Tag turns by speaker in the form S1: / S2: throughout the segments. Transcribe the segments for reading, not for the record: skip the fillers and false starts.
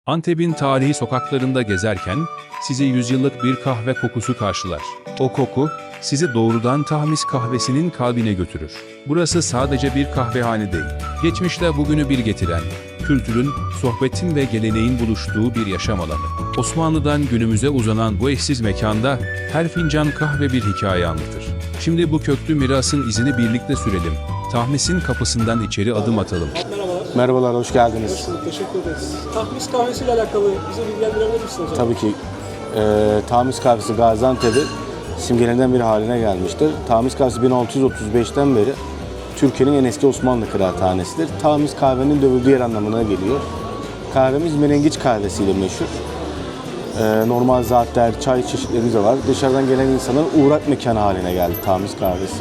S1: Antep'in tarihi sokaklarında gezerken sizi yüzyıllık bir kahve kokusu karşılar. O koku sizi doğrudan Tahmis kahvesinin kalbine götürür. Burası sadece bir kahvehane değil, geçmişle bugünü bir getiren, kültürün, sohbetin ve geleneğin buluştuğu bir yaşam alanı. Osmanlı'dan günümüze uzanan bu eşsiz mekanda her fincan kahve bir hikaye anlatır. Şimdi bu köklü mirasın izini birlikte sürelim. Tahmis'in kapısından içeri adım atalım.
S2: Merhabalar.
S3: Merhabalar, hoş geldiniz.
S2: Hoş bulduk, teşekkür ederiz. Tahmis kahvesiyle alakalı bize bilgilendirebilir misiniz hocam?
S3: Tabii ki Tahmis kahvesi Gaziantep'in simgelerinden bir haline gelmiştir. Tahmis kahvesi 1635'ten beri Türkiye'nin en eski Osmanlı kıraathanesidir. Tahmis kahvenin dövüldüğü yer anlamına geliyor. Kahvemiz menengiç kahvesiyle meşhur. Normal zaatler, çay çeşitlerimiz de var. Dışarıdan gelen insanların uğrak mekanı haline geldi Tahmis kahvesi.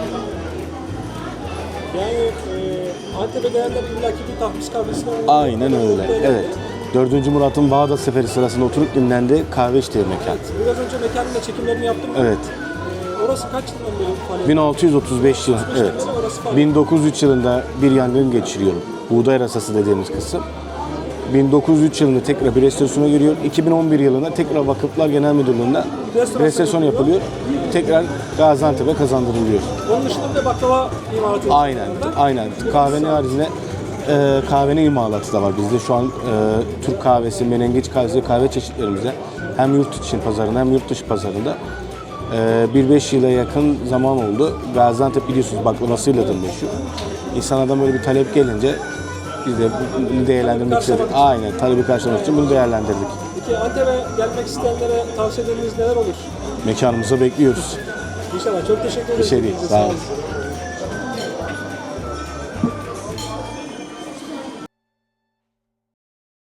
S2: Yani Antep'e gelenler illaki bir Tahmis kahvesine
S3: Aynen öyle, evet. 4. Murat'ın Bağdat Seferi sırasında oturup dinlendiği kahve içtiği mekan.
S2: Biraz önce mekanın da çekimlerini yaptım.
S3: Evet.
S2: Orası kaç yıldan beri faaliyet?
S3: 1635 yıl, evet.
S2: Orası faaliyet.
S3: 1903 yılında bir yangın geçiriyor. Buğday rasası dediğimiz kısım. 1903 yılında tekrar bir restorasyona giriyor. 2011 yılında tekrar Vakıflar Genel Müdürlüğü'nden restorasyon yapılıyor. Tekrar Gaziantep'e kazandırılıyor.
S2: Onun dışında bir de baklava imalatı var.
S3: Aynen. Kahvenin haricinde kahvenin imalatı da var bizde. Şu an Türk kahvesi, menengiç kahvesi, kahve çeşitlerimizde hem yurt içi pazarında hem yurt dışı pazarında 1-5 yıla yakın zaman oldu. Gaziantep biliyorsunuz baklavasıyla da meşhur. İnsanlardan böyle bir talep gelince biz de bunu değerlendirmek istedik. Aynen, talebi karşılamak için bunu değerlendirdik.
S2: Peki Antep'e gelmek isteyenlere tavsiyeleriniz neler olur?
S3: Mekanımıza bekliyoruz.
S2: İnşallah. Çok teşekkür ederim.
S3: Bir şey değil, sağ olun.